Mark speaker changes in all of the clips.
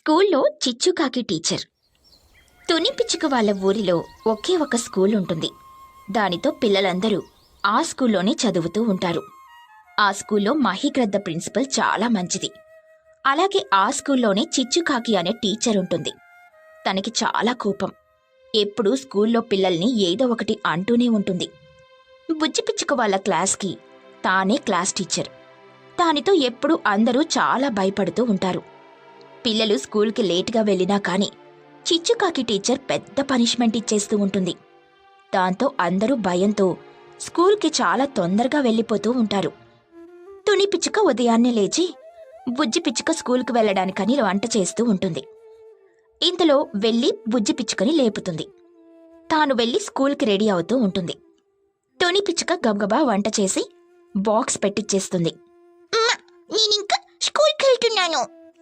Speaker 1: స్కూల్లో చిచ్చుకాకి టీచర్. తుని పిచ్చుక వాళ్ళ ఊరిలో ఒకే ఒక స్కూల్ ఉంటుంది. దానితో పిల్లలందరూ ఆ స్కూల్లోనే చదువుతూ ఉంటారు. ఆ స్కూల్లో మహిగ్రద్ద ప్రిన్సిపల్ చాలా మంచిది. అలాగే ఆ స్కూల్లోనే చిచ్చుకాకి అనే టీచర్ ఉంటుంది. తనకి చాలా కోపం. ఎప్పుడూ స్కూల్లో పిల్లల్ని ఏదో ఒకటి అంటూనే ఉంటుంది. బుజ్జి పిచ్చుక వాళ్ళ క్లాస్కి తానే క్లాస్ టీచర్. దానితో ఎప్పుడూ అందరూ చాలా భయపడుతూ ఉంటారు. పిల్లలు స్కూల్కి లేటుగా వెళ్ళినా కాని చిచ్చుకాకి టీచర్ పెద్ద పనిష్మెంట్ ఇచ్చేస్తూ ఉంటుంది. దాంతో అందరూ భయంతో స్కూల్కి చాలా తొందరగా వెళ్ళిపోతూ ఉంటారు. తుని పిచ్చుక ఉదయాన్నే లేచి బుజ్జి పిచ్చుక స్కూల్కి వెళ్లడానికని వంట చేస్తూ ఉంటుంది. ఇంతలో వెళ్లి బుజ్జి పిచ్చుకని లేపుతుంది. తాను వెళ్లి స్కూల్కి రెడీ అవుతూ ఉంటుంది. తుని పిచ్చుక గబగబా వంట చేసి బాక్స్ పెట్టిచ్చేస్తుంది. నేనింకా స్కూల్కి వెళ్తున్నాను.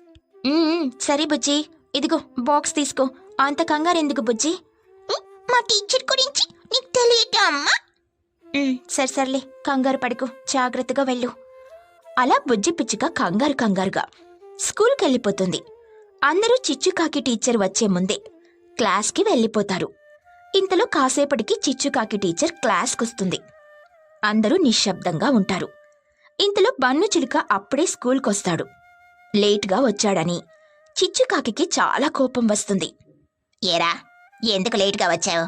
Speaker 1: సరే బుజ్జి, ఇదిగో బాక్స్ తీసుకో. అంత కంగారెందుకు బుజ్జి? మా టీచర్ గురించి నీకు తెలియటా అమ్మా? సర్లే, కంగారు పడుకో, జాగ్రత్తగా వెళ్ళు. అలా బుజ్జి పిచ్చుక కంగారుగా స్కూల్కి వెళ్ళిపోతుంది. అందరూ చిచ్చుకాకి టీచర్ వచ్చే ముందే క్లాస్కి వెళ్ళిపోతారు. ఇంతలో కాసేపటికి చిచ్చుకాకి టీచర్ క్లాస్కొస్తుంది. అందరూ నిశ్శబ్దంగా ఉంటారు. ఇంతలో బన్ను చిలుక అప్పుడే స్కూల్కొస్తాడు. లేటుగా వచ్చాడని చిచ్చుకాకి చాలా కోపం వస్తుంది. ఏరా, ఎందుకు లేటుగా వచ్చావు?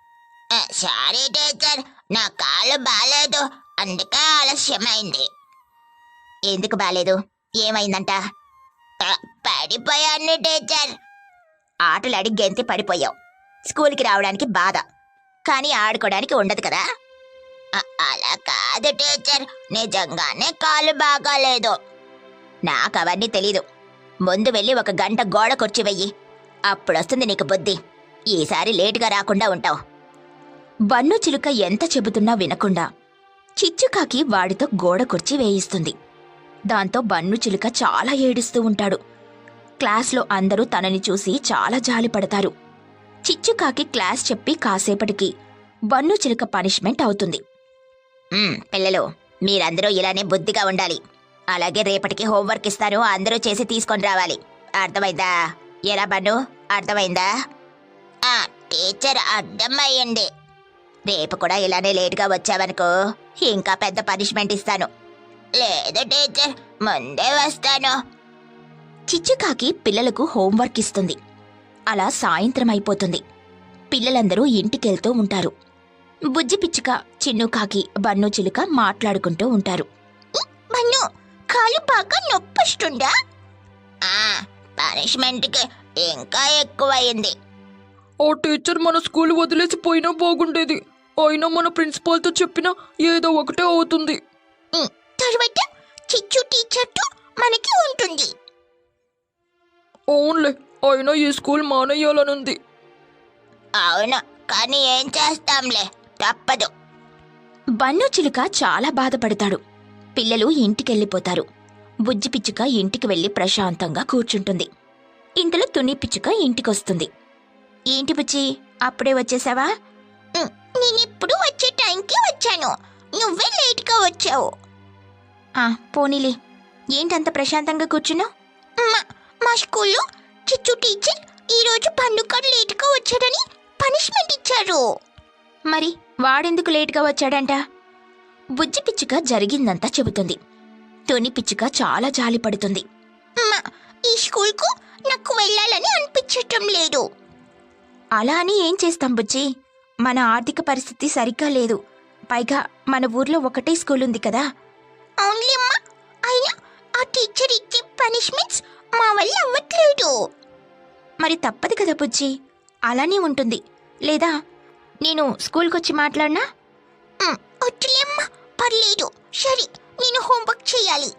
Speaker 1: సారీ టీచర్, నా కాళ్ళు బాలేదు, అందుకే ఆలస్యమైంది. ఎందుకు బాలేదు? ఏమైందంట? పడిపోయాను టీచర్. ఆటలాడి గెంతి పడిపోయావు. స్కూల్కి రావడానికి బాధ, కానీ ఆడుకోవడానికి ఉండదు కదా? అలా కాదు టీచర్, నిజంగానే కాళ్ళు బాగాలేదు. నాకు అవన్నీ తెలీదు. ముందు వెళ్ళి 1 గంట గోడ కుర్చీ వెయ్యి, అప్పుడొస్తుంది నీకు బుద్ధి. ఈసారి లేటుగా రాకుండా ఉంటావు. బన్ను చిలుక ఎంత చెబుతున్నా వినకుండా చిచ్చుకాకి వాడితో గోడ కుర్చీ వేయిస్తుంది. దాంతో బన్ను చిలుక చాలా ఏడుస్తూ ఉంటాడు. క్లాస్లో అందరూ తనని చూసి చాలా జాలిపడతారు. చిచ్చుకాకి క్లాస్ చెప్పి కాసేపటికి బన్ను చిలుక పనిష్మెంట్ అవుతుంది. పిల్లలు, మీరందరూ ఇలానే బుద్ధిగా ఉండాలి. అలాగే రేపటికి హోంవర్క్ ఇస్తాను, అందరూ చేసి తీసుకొని రావాలి. అర్థమైందా? ఎలా బన్ను, అర్థమైందా? టీచర్, అర్థమయ్యండి. రేపు కూడా ఇలానే లేటుగా వచ్చావనుకో, ఇంకా పెద్ద పనిష్మెంట్ ఇస్తాను. లేదు టీచర్, ముందే వస్తాను. చిచ్చుకాకి పిల్లలకు హోంవర్క్ ఇస్తుంది. అలా సాయంత్రం అయిపోతుంది. పిల్లలందరూ ఇంటికెళ్తూ ఉంటారు. బుజ్జి పిచ్చుక, చిన్నుకాకి, బన్ను చిలుక మాట్లాడుకుంటూ ఉంటారు. బన్ను, కాలు బాగా నొప్పొస్తుందా? పనిష్మెంట్కి ఇంకా ఎక్కువయింది.
Speaker 2: ఆ టీచర్ మన స్కూల్ వదిలేసి పోయినా బాగుండేది. అయినా మన ప్రిన్సిపాల్తో చెప్పినా ఏదో ఒకటే అవుతుంది.
Speaker 1: తర్వాత చిచ్చు టీచర్తో మనకి ఉంటుంది.
Speaker 2: అవునులే, అయినా ఈ స్కూల్ మానేయాలనుంది.
Speaker 1: అవును, కానీ ఏం చేస్తాంలే, తప్పదు. బన్ను చిలుక చాలా బాధపడతాడు. పిల్లలు ఇంటికెళ్ళిపోతారు. బుజ్జి పిచ్చుక ఇంటికి వెళ్లి ప్రశాంతంగా కూర్చుంటుంది. ఇంతలో తుని పిచ్చుక ఇంటికొస్తుంది. ఏంటి బుజ్జి, అప్పుడే వచ్చేసావా? నేనెప్పుడు వచ్చే టైంకి వచ్చాను, నువ్వే లేట్గా వచ్చావు. పోనీలే, ఏంటంత ప్రశాంతంగా కూర్చున్నావు? మా స్కూల్లో చిచ్చు టీచర్ ఈరోజు పండుగ లేటుగా వచ్చాడని పనిష్మెంట్ ఇచ్చారు. మరి వాడెందుకు లేటుగా వచ్చాడంట? బుజ్జి పిచ్చుక జరిగిందంతా చెబుతుంది. తుని పిచ్చుక చాలా జాలిపడుతుంది. ఈ స్కూల్కు నాకు వెళ్ళాలని అనిపించటం లేదు. అలా అని ఏం చేస్తాం బుజ్జి, మన ఆర్థిక పరిస్థితి సరిగ్గా లేదు. పైగా మన ఊర్లో ఒకటే స్కూల్ ఉంది కదా. అవునులేమ్మా, అయినా ఆ టీచర్ ఇచ్చే పనిష్మెంట్స్ మా వల్ల అవ్వట్లేదు. మరి తప్పదు కదా బుజ్జి, అలానే ఉంటుంది. లేదా నేను స్కూల్కొచ్చి మాట్లాడినా? వద్దులేమ్మా, పర్లేదు. సరే, నేను హోంవర్క్ చేయాలి.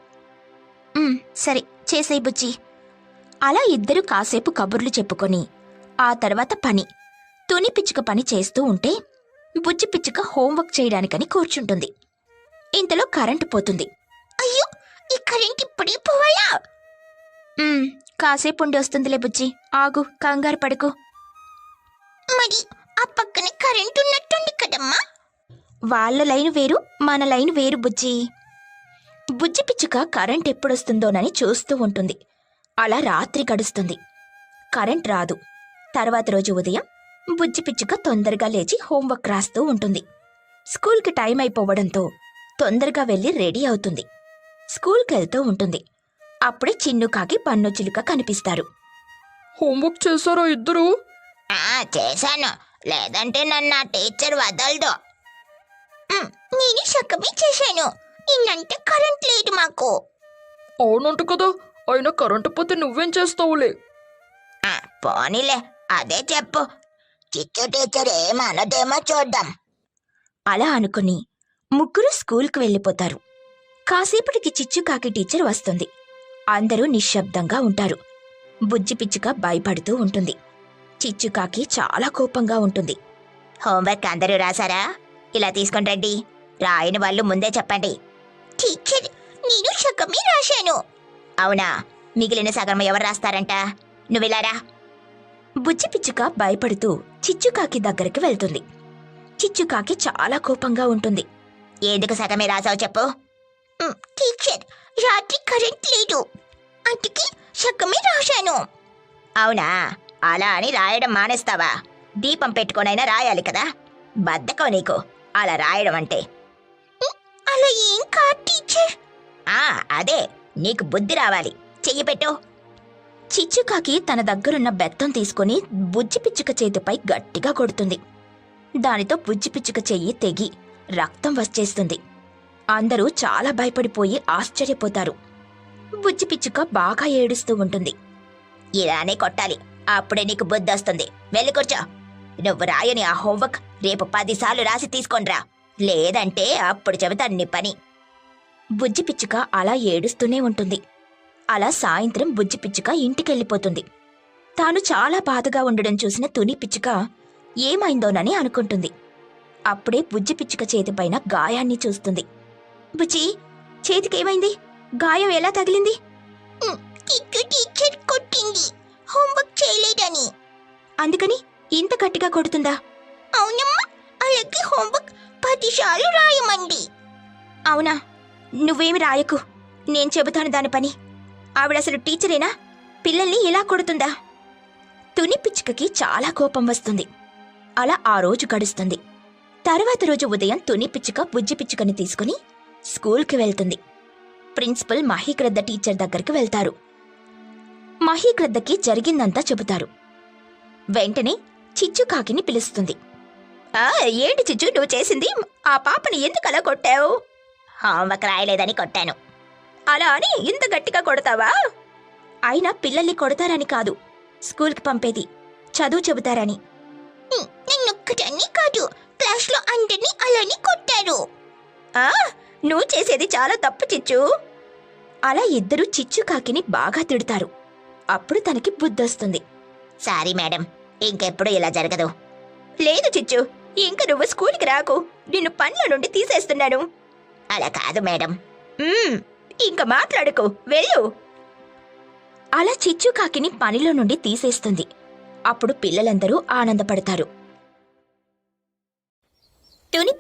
Speaker 1: సరే, చేసేయ్ బుజ్జి. అలా ఇద్దరు కాసేపు కబుర్లు చెప్పుకొని ఆ తర్వాత పని, తుని పిచ్చుక పని చేస్తూ ఉంటే బుజ్జి పిచ్చుక హోంవర్క్ చేయడానికని కూర్చుంటుంది. ఇంతలో కరెంటు పోతుంది. అయ్యో, ఈ కరెంట్ ఇప్పుడే పోవాలా? కాసేపు ఉండి వస్తుందిలే బుజ్జి, ఆగు, కంగారు పడుకో. మరి ఆ పక్కన కరెంట్ ఉన్నట్టుంది కదమ్మా. వాళ్ళ లైన్ వేరు, మన లైన్ వేరు బుజ్జి. బుజ్జి పిచ్చుక కరెంట్ ఎప్పుడొస్తుందోనని చూస్తూ ఉంటుంది. అలా రాత్రి గడుస్తుంది. కరెంట్ రాదు. తర్వాత రోజు ఉదయం బుజ్జి పిచ్చుక తొందరగా లేచి హోంవర్క్ రాస్తూ ఉంటుంది. స్కూల్కి టైం అయిపోవడంతో తొందరగా వెళ్ళి రెడీ అవుతుంది. స్కూల్కి వెళ్తూ ఉంటుంది. అప్పుడే చిన్నుకాకి పన్నుచిలుక కనిపిస్తారు.
Speaker 2: హోంవర్క్ చేశారా ఇద్దరు?
Speaker 3: చేశాను, లేదంటే నన్ను ఆ టీచర్ వదలదు. నేను సగమే చేశాను, నిన్నంటే కరెంట్ లేదు మాకు.
Speaker 2: అవునంట కదా, అయినా కరెంటు పోతే నువ్వేం చేస్తావులే.
Speaker 3: పోనీలే, అదే చెప్పు. చిచ్చు టీచర్ ఏమనదేమో చూద్దాం.
Speaker 1: అలా అనుకుని ముగ్గురు స్కూల్కి వెళ్ళిపోతారు. కాసేపటికి చిచ్చుకాకి టీచర్ వస్తుంది. అందరూ నిశ్శబ్దంగా ఉంటారు. బుజ్జి పిచ్చుక భయపడుతూ ఉంటుంది. చిచ్చుకాకి చాలా కోపంగా ఉంటుంది.
Speaker 3: హోంవర్క్ అందరూ రాసారా? ఇలా తీసుకొని రండి. రాయని వాళ్ళు ముందే చెప్పండి. టీచర్, నేను సగమే రాశాను. అవునా? మిగిలిన సగం ఎవరు రాస్తారంట? నువ్విలారా.
Speaker 1: బుజ్జి పిచ్చుక భయపడుతూ చిచ్చుకాకి దగ్గరికి వెళ్తుంది. చిచ్చుకాకి చాలా కోపంగా ఉంటుంది.
Speaker 3: ఎందుకు సగమే రాసావు చెప్పు. టీచర్, రాత్రి కరెంట్ లేదు, అందుకే సగమే రాశాను. అవునా? అలా అని రాయడం మానేస్తావా? దీపం పెట్టుకొనైనా రాయాలి కదా. బద్ధకం నీకు అలా రాయడం అంటే. అలా ఏం కాదు టీచర్. అదే, నీకు బుద్ధి రావాలి. చెయ్యి పెట్టు.
Speaker 1: చిచ్చుకాకి తన దగ్గరున్న బెత్తం తీసుకుని బుజ్జి పిచ్చుక చేతిపై గట్టిగా కొడుతుంది. దానితో బుజ్జి పిచ్చుక చెయ్యి తెగి రక్తం వచ్చేస్తుంది. అందరూ చాలా భయపడిపోయి ఆశ్చర్యపోతారు. బుజ్జి పిచ్చుక బాగా ఏడుస్తూ ఉంటుంది.
Speaker 3: ఇలానే కొట్టాలి, అప్పుడే నీకు బుద్ధి వస్తుంది. వెళ్ళి కూర్చో. నువ్వు రాయని ఆ హోంవర్క్ రేపు 10 సార్లు రాసి తీసుకొనిరా, లేదంటే అప్పుడు చెబుతాను నీ పని.
Speaker 1: బుజ్జి పిచ్చుక అలా ఏడుస్తూనే ఉంటుంది. అలా సాయంత్రం బుజ్జి పిచ్చుక ఇంటికెళ్ళిపోతుంది. తాను చాలా బాధగా ఉండడం చూసిన తుని పిచ్చుక ఏమైందోనని అనుకుంటుంది. అప్పుడే బుజ్జి పిచ్చుక చేతిపైన గాయాన్ని చూస్తుంది. బుజ్జి, చేతికేమైంది? గాయం ఎలా తగిలింది?
Speaker 3: టీచర్ కొట్టింది, హోంవర్క్ చేయలేదని.
Speaker 1: అందుకని ఇంత గట్టిగా కొడుతుందా?
Speaker 3: అవునమ్మా, అలాగే హోంవర్క్ 10 సార్లు రాయమండి.
Speaker 1: అవునా? నువ్వేమి రాయకు, నేను చెబుతాను దాని పని. ఆవిడసలు టీచరేనా? పిల్లల్ని ఇలా కొడుతుందా? తుని పిచ్చుకకి చాలా కోపం వస్తుంది. అలా ఆ రోజు గడుస్తుంది. తర్వాత రోజు ఉదయం తుని పిచ్చుక బుజ్జి పిచ్చుకని తీసుకుని స్కూల్కి వెళ్తుంది. ప్రిన్సిపల్ మహీగ్రద్ద టీచర్ దగ్గరికి వెళ్తారు. మహీగ్రద్దకి జరిగిందంతా చెబుతారు. వెంటనే చిచ్చుకాకిని పిలుస్తుంది.
Speaker 3: ఏంటి చిచ్చు నువ్వు చేసింది? ఆ పాపని ఎందుకు అలా కొట్టావు? హోంవర్క్ రాయలేదని కొట్టాను.
Speaker 1: అలా అని ఇంత గట్టిగా కొడతావా? అయినా పిల్లల్ని కొడతారని కాదు, స్కూల్కి పంపేది చదువు చెబుతారని.
Speaker 3: నన్నొక్కదాన్ని కాదు, క్లాస్లో అందరినీ అలానే కొట్టారు.
Speaker 1: నువ్వు చేసేది చాలా తప్పు చిచ్చు. అలా ఇద్దరు చిచ్చుకాకిని బాగా తిడతారు. అప్పుడు తనకి బుద్ధొస్తుంది.
Speaker 3: సారీ మేడం, ఇంకెప్పుడు ఇలా జరగదు.
Speaker 1: లేదు చిచ్చు, ఇంక నువ్వు స్కూల్కి రాకు, నిన్ను పనుల నుండి తీసేస్తున్నాను.
Speaker 3: అలా కాదు మేడం.
Speaker 1: ఇంక మాట్లాడుకో, వెళ్ళు. అలా చిచ్చుకాకిని పనిలో నుండి తీసేస్తుంది. అప్పుడు పిల్లలందరూ ఆనందపడతారు. తుని